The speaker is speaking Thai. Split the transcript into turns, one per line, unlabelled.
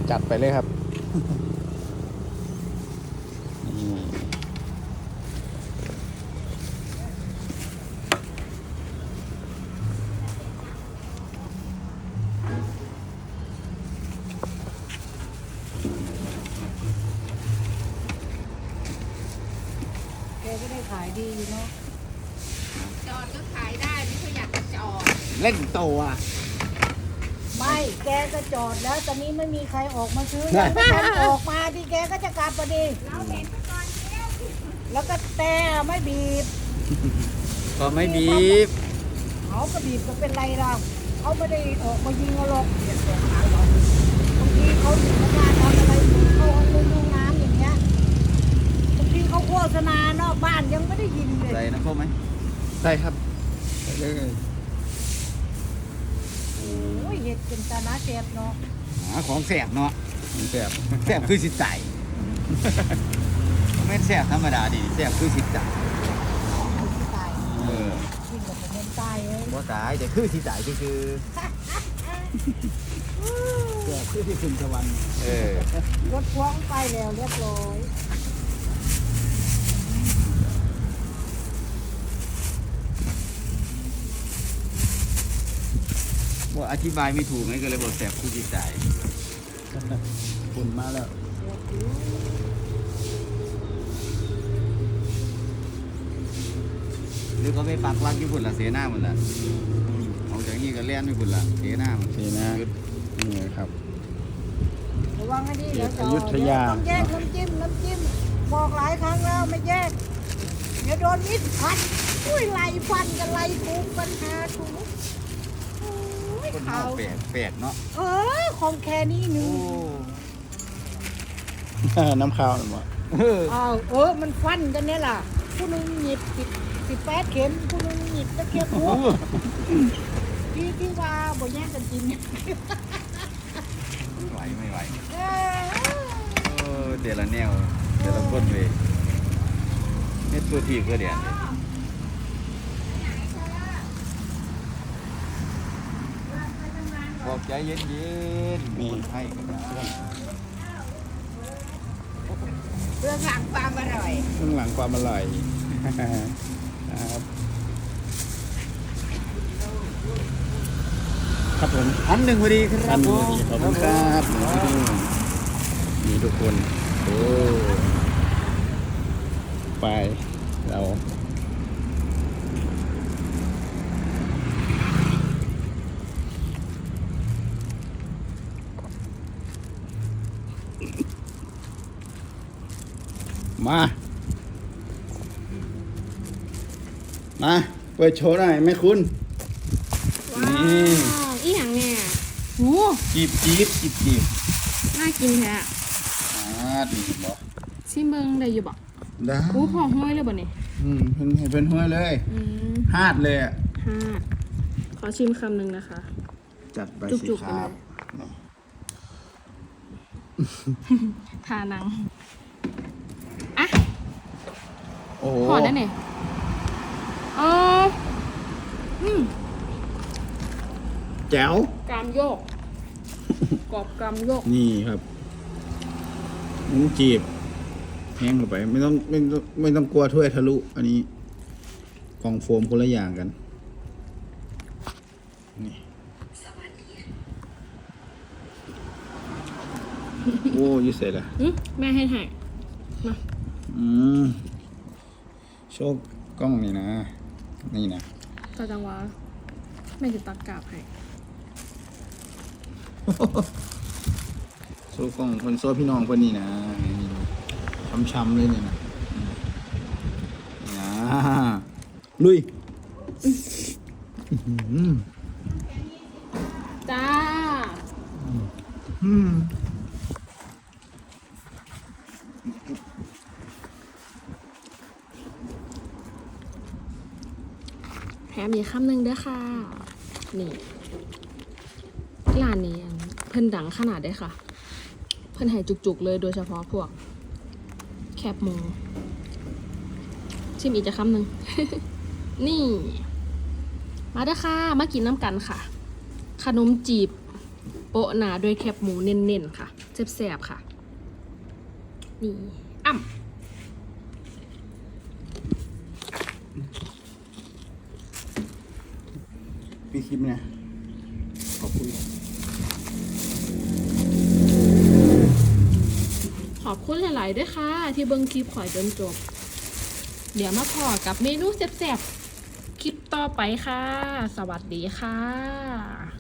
จัดไปเลยครับนี่
แกก็ได้ขายดีอยู่เนาะ
จอดก็ขายได้ไม่ค่อยอยากจะจอด
เล่นโตอ่ะ
ไม่แกก็จอดแล้วตอนนี้ไม่มีใครออกมาซื้อยังไม่ทันออกมาที่แกก็จะกลับพอดี
เราเห็นก่อนเที่ยว
แล้วก็แต่ไม่บีบ
ก็ไม่บีบ
เขาก็บีบก็เป็นไรเราเขาไม่ได้ออกมายิงเราหรอกบางทีเขาอยู่ในงานทำอะไรเข้าห้องน้ำอย่างเงี้ยบางทีเขาโฆษณานอกบ้านยังไม่ได้ยินเลย
ใส่น้ำส้มไหมได้ครับใส่เลย
โอ้ยเห็ดเป็นตาหนาเจ็บเนาะ
ของแสบเนาะแสบแสบคือสิใจไม่แสบธรรมดาดิแสบคือสิใจ
ตาย
เออ
ยิ่งกว่าเป็นตายเลย
บ่ตายแต่คือสิใจคือแสบคือที่ขึ้นสวรรค์เออ
รถพ้องไปแล้วเรียบร้อย
ว่าอธิบายไม่ถูกไงก็เลยบอกแสบคือสิใจฝุ่นมาแล้วหรือเขาไปปักหลักญี่ปุ่นละเสียหน้าหมดละออกจากนี้ก็เล่นญี่ปุ่นละเสียหน้าหมดเสียหน้านี่ครับ
ระวังให้ดีเดี๋ยว
อยุธยา
ต้องแยกน้ำจิ้มบอกหลายครั้งแล้วไม่แยกเดี๋ยวโดนมิดพันอุ้ยไล่ฟันกันไล่ทุบปัญหาทุบโอ้ย
คน
เขา
เฮาแปลกเนาะ
ของแค่นี้หนึ่ง
น้ำข้าวหรือเปล่า
มันฟันกันเนี่ยล่ะผู้หนึงหยิบ18 เข็มผู้หนึงหยิบตะเข็บหัวที่ว่าบ่แย่งกันกิน
ไม่ไหว
เออ
เดี๋ยวละแนวเดี๋ยวละคนเว้ยเม็ดตัวทีก็เดี๋ยวบอกใจเย็นๆมีให้กันนะ
เรื่องหลังความอร่อย
เบื้องหลังความอร่อยครับครับผมอันหนึ่งพอดีครับผมขอบคุณครับนี่ทุกคนโอ้ไปเรามาเปิดโชว์หน่อยแม่คุณ
ว้าวอีหยังเนี่ยโห
จีบ
น่ากินแท้
นี่บอก
ชิมเบิ้งได้อยู่บ่
ได้
โอ้พอห้อยเลยบ่เนี่ย
เป็นห้วยเลย ฮาดเลยอ่ะ
ห้าขอชิมคำหนึ่งนะคะ
จัดไปสิ
จุกๆ
ค
ไป
รั
เล
บ
ย ทานังอ่ะ
โอ้โห
หอดได้เนี่ยอืม
แจ๋ว
กรามโยก กรอบกรามโยก
นี่ครับหมูจีบแห้งลงไปไม่ต้องกลัวถ้วยทะลุ อันนี้กล่องโฟมคนละอย่างกันนี่โอ้ยเสร็จละ
แม่ให้ถ่ายมา
โชคกล้องนี่นะ นี่นะ
ตาจังหวะแม่จะตักกาบให้
โชคกล้องคนโซ่พี่น้องคนนี้นะนี่ช้ำๆเลยนี่นะนี่นะลุย
จ้า แถมอีกคำหนึ่งเด้อค่ะ นี่ร้านนี้เพิ่นดังขนาดได้ค่ะ เพิ่นให้จุกๆเลยโดยเฉพาะพวก แคบหมูชิมอีกจะคำหนึ่ง นี่ มาเด้อค่ะ มากินน้ำกันค่ะ ขนมจีบโปะหนาด้วยแคบหมูเน้นๆค่ะแซ่บๆค่ะ นี่อ่ำ
พี่คลิปเนี่ยขอบคุณ
ขอบคุณหลาย ๆ ด้วยค่ะ ที่เบิ่งคลิปข่อยจนจบ เดี๋ยวมาพอกับเมนูแซ่บๆ คลิปต่อไปค่ะ สวัสดีค่ะ